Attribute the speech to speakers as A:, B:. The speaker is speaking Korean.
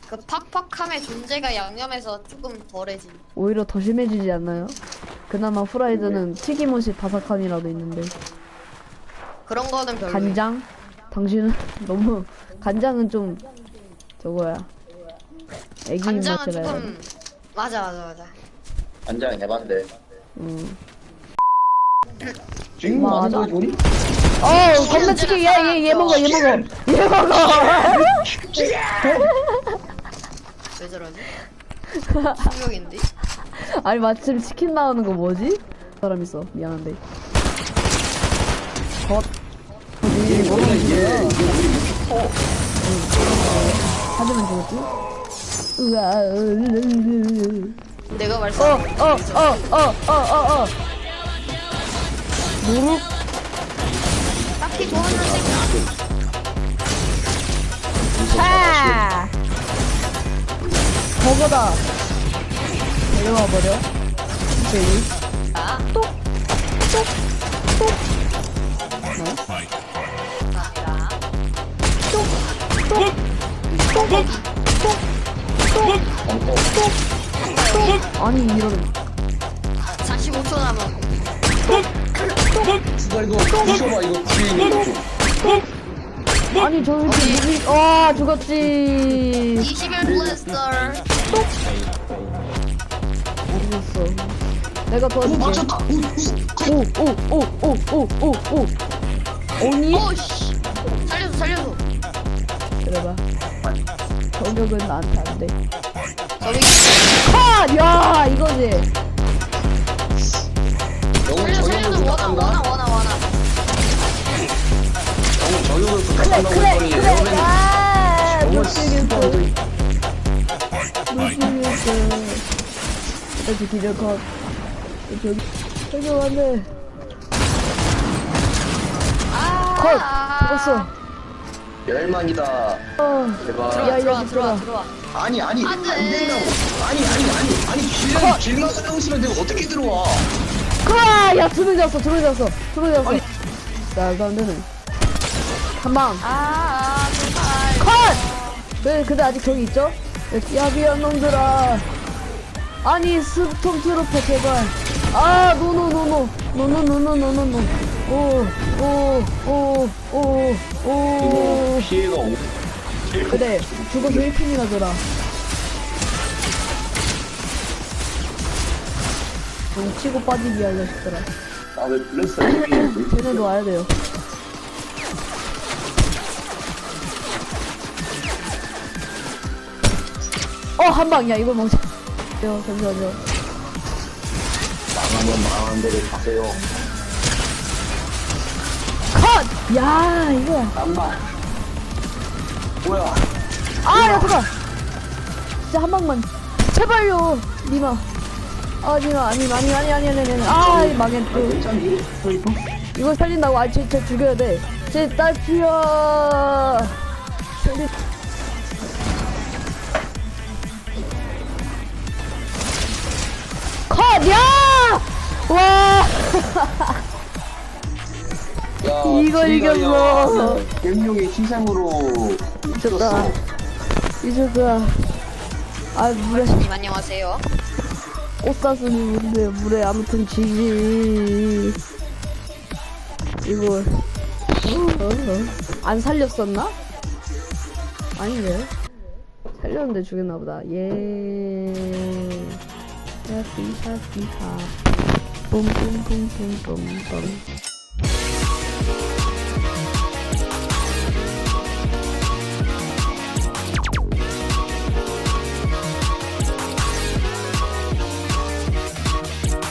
A: 그 팍팍함의 존재가 양념해서 조금 덜해지.
B: 오히려 더 심해지지 않나요? 그나마 후라이드는 튀김옷이 바삭함이라도 있는데.
A: 그런 거는 별로.
B: 간장? 당신은 너무 간장은 좀 저거야. 애기
A: 간장은
B: 입맛이라 해야 돼.
A: 조금 맞아.
C: 간장 해봤는데.
D: 지금
B: 맞아.
D: 맞은 거지 우리?
B: 겁나 치킨 얘 먹어.
A: 왜 저러지? 충격인데?
B: 아니 마침 치킨 나오는 거 뭐지? 사람 있어. 미안한데.
D: 이게 뭐야 이게?
B: 하지만 죽었지? 우와.
A: 내가 말씀한
B: 무릎.
A: 딱히 좋아하는 색이
B: 차. 버거다. 내려와 버려. 저기.
A: 아니야.
B: 아니 이런.
A: 45초 남은.
D: 진짜 이거 부셔봐 이거 뒤에
B: 아니 저 이렇게 무기. 죽었지.
A: 21 블래스터.
B: 모르겠어. 내가 도와줄게.
D: 맞췄다.
B: 오. 오니?
A: 오씨. 살려줘.
B: 그래봐. 저격은 나한테 안 돼.
A: 저기
B: 컷! 야 이거지.
D: 너무
A: 살려줘.
D: 저격을 부탁한다.
A: 원아.
D: 너무 저격을 부탁한다고
B: 그래.
D: 했더니
B: 아,
D: 너무
B: 놓치겠어.
D: 씨발.
B: 여기 기절 컷. 저기 안 돼. 컷! 죽었어.
D: 열망이다. 제발.
B: 야, 이
A: 들어와.
D: 아니
A: 안 돼.
D: 안 된다고. 아니 길만 있으면 내가 어떻게 들어와?
B: 야, 두 명 잡았어.
D: 아니.
B: 말도 안 되네. 한 방.
A: 제발.
B: 컷! 근데 아직 저기 있죠? 야, 미안 놈들아. 아니, 스톰 트로퍼 제발. 노.
D: 이거 피해가 오.
B: 그래, 죽어서 1핀이나 줘라. 좀 치고 빠지기 하려 싶더라.
D: 나왜 블랙스 이게
B: 쟤네도 와야 돼요. 한 방이야, 이걸 멈춰. 잠시만요.
D: 망하면 망한 대로 가세요.
B: 컷! 야, 이거야.
D: 잠만. 뭐야?
B: 야, 잠깐! 진짜 한 방만. 제발요, 니마. 니마, 아니. 망했어.
D: 괜찮니?
B: 이걸 살린다고. 쟤 죽여야 돼. 쟤 딸피야. 컷! 야! 와!
D: 야,
B: 이걸 이겼어.
D: 갱룡의 희생으로
B: 미쳤다. 물에
A: 님 안녕하세요.
B: 꽃사슴이 물에 아무튼 지지. 이거 안 살렸었나? 아니네. 살렸는데 죽였나보다. 샤피샤 뿜뿜뿜뿜뿜뿜